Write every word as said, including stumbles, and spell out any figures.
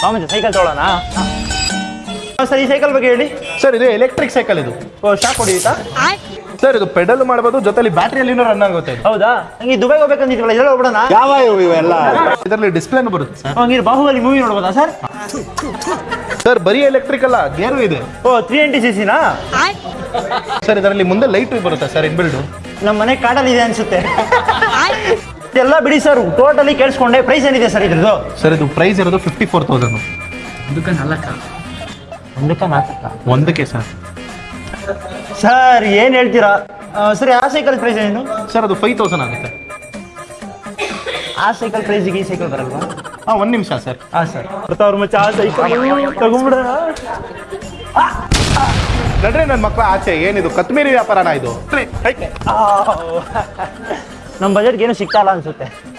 ಮಾಮೂಲಿ ಸೈಕಲ್ ತೊಗೊಳ್ಳೋಣ. ಸರ್ ಈ ಸೈಕಲ್ ಬಗ್ಗೆ ಹೇಳಿ. ಸರ್ ಇದು ಎಲೆಕ್ಟ್ರಿಕ್ ಸೈಕಲ್ ಇದು. ಓ ಶಾಕ್ ಹೊಡಿಯುತ್ತಾ? ಸರ್ ಇದು ಪೆಡಲ್ ಮಾಡಬಹುದು, ಜೊತೆಲಿ ಬ್ಯಾಟ್ರಿಯಲ್ಲಿನೂ ರನ್ ಆಗುತ್ತೆ. ಹೌದಾ? ಹಂಗೆ ದುಬೈಗೆ ಹೋಗ್ಬೇಕಂತಿದ್ವಲ್ಲ, ಇದೆಲ್ಲ ಹೋಗ್ಬಿಡೋಣ. ಯಾವ ಇವೆಲ್ಲ ಇದರಲ್ಲಿ ಡಿಸ್ಪ್ಲೇನು ಬರುತ್ತೆ ಸರ್. ಹಂಗಿರು ಬಾಹುಬಲಿ ಮೂವಿ ನೋಡ್ಬೋದಾ ಸರ್? ಸರ್ ಬರೀ ಎಲೆಕ್ಟ್ರಿಕ್ ಅಲ್ಲ, ಗೇರು ಇದೆ. ಓ ತ್ರೀ ಎಂಟಿ ಸಿ ಸಿನಾ? ಸರ್ ಇದರಲ್ಲಿ ಮುಂದೆ ಲೈಟ್ ಬರುತ್ತೆ ಸರ್ ಇನ್ಬಿಲ್ಡ್. ನಮ್ಮ ಮನೆ ಕಾಡಲ್ಲಿ ಇದೆ ಅನ್ಸುತ್ತೆ. ಎಲ್ಲ ಬಿಡಿ ಸರ್, ಟೋಟಲಿ ಕೇಳಿಸ್ಕೊಂಡೆ. ಪ್ರೈಸ್ ಏನಿದೆ ಸರ್ ಇದ್ರದ್ದು? ಸರ್ ಇದು ಪ್ರೈಸ್ ಇರೋದು ಫಿಫ್ಟಿ ಫೋರ್ ತೌಸಂಡ್. ಒಂದಕ್ಕೆ ನಾಲ್ಕ ಒಂದಕ್ಕೆ ನಾಲ್ಕ ಒಂದಕ್ಕೆ ಸರ್. ಸರ್ ಏನು ಹೇಳ್ತೀರಾ? ಸರಿ ಆ ಸೈಕಲ್ ಪ್ರೈಸ್ ಏನು ಸರ್ ಅದು ಫೈವ್ ತೌಸಂಡ್ ಆಗುತ್ತೆ. ಆ ಸೈಕಲ್ ಪ್ರೈಸಿಗೆ ಈ ಸೈಕಲ್ ಬರಲ್ವಾ? ಹಾಂ ಒಂದು ನಿಮಿಷ ಸರ್. ಹಾಂ ಸರ್ ಬರ್ತಾವ್ರ ಮಚ್ಚ. ಆ ಸೈಕಲ್ ತಗೊಂಬಿಡೋಣ. ನಡ್ರಿ ನನ್ನ ಮಕ್ಕಳ ಆಚೆ. ಏನಿದು ಕತ್ಮೀರಿ ವ್ಯಾಪಾರನ ಇದು? ನಮ್ಮ ಬಜೆಟ್ಗೆ ಏನು ಸಿಗ್ತಾ ಇಲ್ಲ ಅನ್ಸುತ್ತೆ.